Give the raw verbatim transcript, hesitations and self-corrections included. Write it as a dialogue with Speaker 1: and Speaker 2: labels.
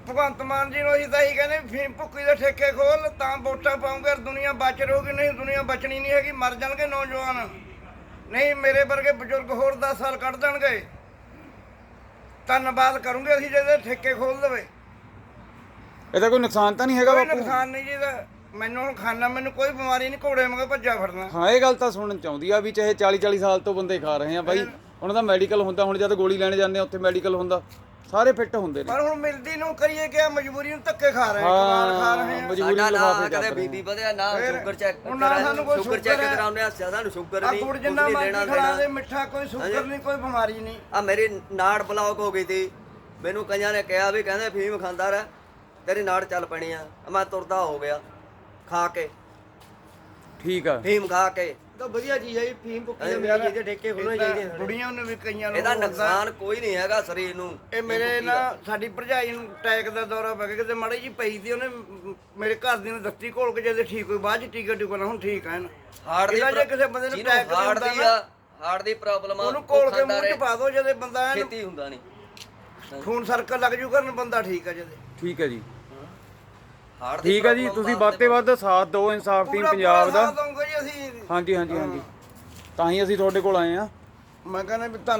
Speaker 1: ਭਗਵੰਤ ਮਾਨ ਜੀ ਨੂੰ ਅਸੀਂ ਤਾਂ ਇਹੀ ਕਹਿੰਦੇ ਵੀ ਫੀਮ ਭੁੱਕੀ ਦੇ ਠੇਕੇ ਖੋਲ ਤਾਂ ਵੋਟਾਂ ਪਾਉਂਗੇ, ਦੁਨੀਆ ਬਚ ਰਹੂਗੀ, ਨਹੀਂ ਦੁਨੀਆ ਬਚਣੀ ਨਹੀਂ ਹੈਗੀ, ਮਰ ਜਾਣਗੇ ਨੌਜਵਾਨ, ਨਹੀਂ ਮੇਰੇ ਵਰਗੇ ਬਜ਼ੁਰਗ ਹੋਰ ਦਸ ਸਾਲ ਕੱਢ ਦੇਣਗੇ। ਧੰਨਵਾਦ ਕਰੂੰਗੇ ਅਸੀਂ ਜੇ ਠੇਕੇ ਖੋਲ ਦੇਵੇ।
Speaker 2: ਇਹਦਾ ਕੋਈ ਨੁਕਸਾਨ ਤਾਂ ਨਹੀਂ ਹੈਗਾ
Speaker 1: ਕੋਈ
Speaker 2: ਬਾਪੂ?
Speaker 1: ਨੁਕਸਾਨ ਨਹੀਂ ਜੀ ਇਹਦਾ, ਮੈਨੂੰ ਹੁਣ ਖਾਣਾ, ਮੈਨੂੰ ਕੋਈ ਬਿਮਾਰੀ ਨਹੀਂ, ਘੋੜੇ ਮਗਰ ਭੱਜਾ ਫਿਰਨਾ।
Speaker 2: ਹਾਂ ਇਹ ਗੱਲ ਤਾਂ ਸੁਣਨ ਚਾਹੁੰਦੀ ਆ ਵੀ ਚਾਹੇ ਚਾਲੀ ਚਾਲੀ ਸਾਲ ਤੋਂ ਬੰਦੇ ਖਾ ਰਹੇ ਆ ਬਾਈ, ਉਹਨਾਂ ਦਾ ਮੈਡੀਕਲ ਹੁੰਦਾ, ਹੁਣ ਜਦ ਗੋਲੀ ਲੈਣ ਜਾਂਦੇ ਆ ਉੱਥੇ ਮੈਡੀਕਲ ਹੁੰਦਾ, ਸਾਰੇ ਫਿੱਟ ਹੁੰਦੇ ਨੇ।
Speaker 1: ਪਰ ਹੁਣ ਮਿਲਦੀ ਨੂੰ ਕਰੀਏ ਕਿ ਮਜਬੂਰੀ ਨੂੰ ਧੱਕੇ ਖਾ ਰਹੇ ਕਮਾਲ ਖਾ ਰਹੇ ਆ।
Speaker 2: ਮਜਬੂਰੀ
Speaker 3: ਸਾਡਾ
Speaker 2: ਲਿਫਾਫੇ
Speaker 3: ਨਾ ਕਦੇ ਬੀਪੀ ਵਧਿਆ ਨਾ ਸ਼ੂਗਰ ਚੈੱਕ
Speaker 1: ਹੁਣ ਨਾ ਸਾਨੂੰ ਕੋਈ
Speaker 3: ਸ਼ੂਗਰ ਚੈੱਕ
Speaker 1: ਸ਼ੂਗਰ
Speaker 3: ਕਰਾਉਂਦੇ ਆ, ਸਾਨੂੰ ਸ਼ੂਗਰ
Speaker 1: ਆ
Speaker 3: ਨਹੀਂ,
Speaker 1: ਗੁੜ
Speaker 3: ਕੁਝ
Speaker 1: ਜਿੰਨਾ
Speaker 3: ਨਹੀਂ
Speaker 1: ਮਰਜ਼ੀ
Speaker 3: ਲੈਣਾ
Speaker 1: ਖਿਲਾ ਦੇ,
Speaker 3: ਦੇਣਾ।
Speaker 1: ਮਿੱਠਾ ਕੋਈ ਸ਼ੂਗਰ ਨਹੀਂ, ਕੋਈ ਬਿਮਾਰੀ ਨਹੀਂ।
Speaker 3: ਆ ਮੇਰੀ ਨਾੜ ਬਲੌਕ ਹੋ ਗਈ ਸੀ, ਮੈਨੂੰ ਕਈਆਂ ਨੇ ਕਿਹਾ ਵੀ ਕਹਿੰਦੇ ਫੀਮ ਖਾਂਦਾ ਰਹਿ ਤੇਰੀ ਨਾੜ ਚੱਲ ਪੈਣੀ ਆ, ਮੈਂ ਤੁਰਦਾ ਹੋ ਗਿਆ ਖਾ ਕੇ,
Speaker 2: ਠੀਕ ਆ।
Speaker 3: ਫੀਮ ਖਾ ਕੇ।
Speaker 4: ਤਾਂ ਵਧੀਆ ਚੀਜ਼ ਹੈ ਜੀ, ਫੀਮ ਭੁੱਕੀ ਦੇ ਮੇਰੀ ਜਿਹਦੇ ਠੇਕੇ ਖੋਲਣੇ ਚਾਹੀਦੇ ਆ।
Speaker 1: ਬੁੜੀਆਂ ਨੂੰ ਵੀ ਕਈਆਂ ਨੂੰ
Speaker 3: ਇਹਦਾ
Speaker 1: ਹੁੰਦਾ।
Speaker 3: ਨੁਕਸਾਨ ਕੋਈ ਨਹੀਂ ਹੈਗਾ ਸਰੀਰ ਨੂੰ।
Speaker 1: ਇਹ ਮੇਰੇ ਨਾ ਸਾਡੀ ਭਰਜਾਈ ਨੂੰ ਅਟੈਕ ਦਾ ਦੌਰਾ ਪੈ ਗਿਆ, ਕਿਤੇ ਮਾੜੀ ਜੀ ਪਈ ਸੀ, ਉਹਨੇ ਮੇਰੇ ਘਰ ਦੀ ਨੂੰ ਦੱਸੀ ਘੋਲ ਕੇ ਜਦ ਠੀਕ ਹੋਈ, ਬਾਅਦ ਚ ਟੀਕਾ ਟੂਕਾ ਨਾ, ਹੁਣ ਠੀਕ ਹੈ ਨਾ।
Speaker 3: ਹਾਰਟ ਦੀ
Speaker 1: ਇਹਦਾ ਜੇ ਕਿਸੇ ਬੰਦੇ ਨੂੰ ਅਟੈਕ
Speaker 3: ਹਾਰਟ
Speaker 1: ਹੁੰਦਾ
Speaker 3: ਦੀ
Speaker 1: ਨਾ,
Speaker 3: ਆ, ਹਾਰਟ ਦੀ ਪ੍ਰੋਬਲਮ ਆ,
Speaker 1: ਉਹਨੂੰ ਕੋਲ ਕੇ
Speaker 3: ਖਾਂਦਾ
Speaker 1: ਮੂੰਹ ਚ
Speaker 3: ਰਹੇ,
Speaker 1: ਪਾ ਦੋ, ਜਦੇ ਬੰਦਾ ਐਨ
Speaker 3: ਛੇਤੀ ਹੁੰਦਾ ਨਹੀਂ।
Speaker 1: ਖੂਨ ਸਰਕਲ ਲੱਗ ਜੂ ਕਰਨ, ਬੰਦਾ ਠੀਕ ਹੈ ਜਦੇ।
Speaker 2: ਠੀਕ ਹੈ ਜੀ,
Speaker 3: ਹਾਰਟ ਦੀ
Speaker 2: ਠੀਕ ਹੈ ਜੀ, ਤੁਸੀਂ ਵੱਧ ਤੇ ਵੱਧ ਸਾਥ ਦਿਓ ਇਨਸਾਫ ਟੀਮ
Speaker 1: ਪੂਰਾ
Speaker 2: ਪੰਜਾਬ ਦਾ।
Speaker 1: ਸਾਥ ਦਊਂਗੇ ਜੀ ਅਸੀਂ।
Speaker 2: ਹਾਂਜੀ ਹਾਂਜੀ ਹਾਂਜੀ, ਤਾਂ ਹੀ ਅਸੀਂ ਤੁਹਾਡੇ ਕੋਲ ਆਏ ਆ।
Speaker 1: ਮੈਂ ਕਹਿੰਦਾ ਵੀ ਧੰਨ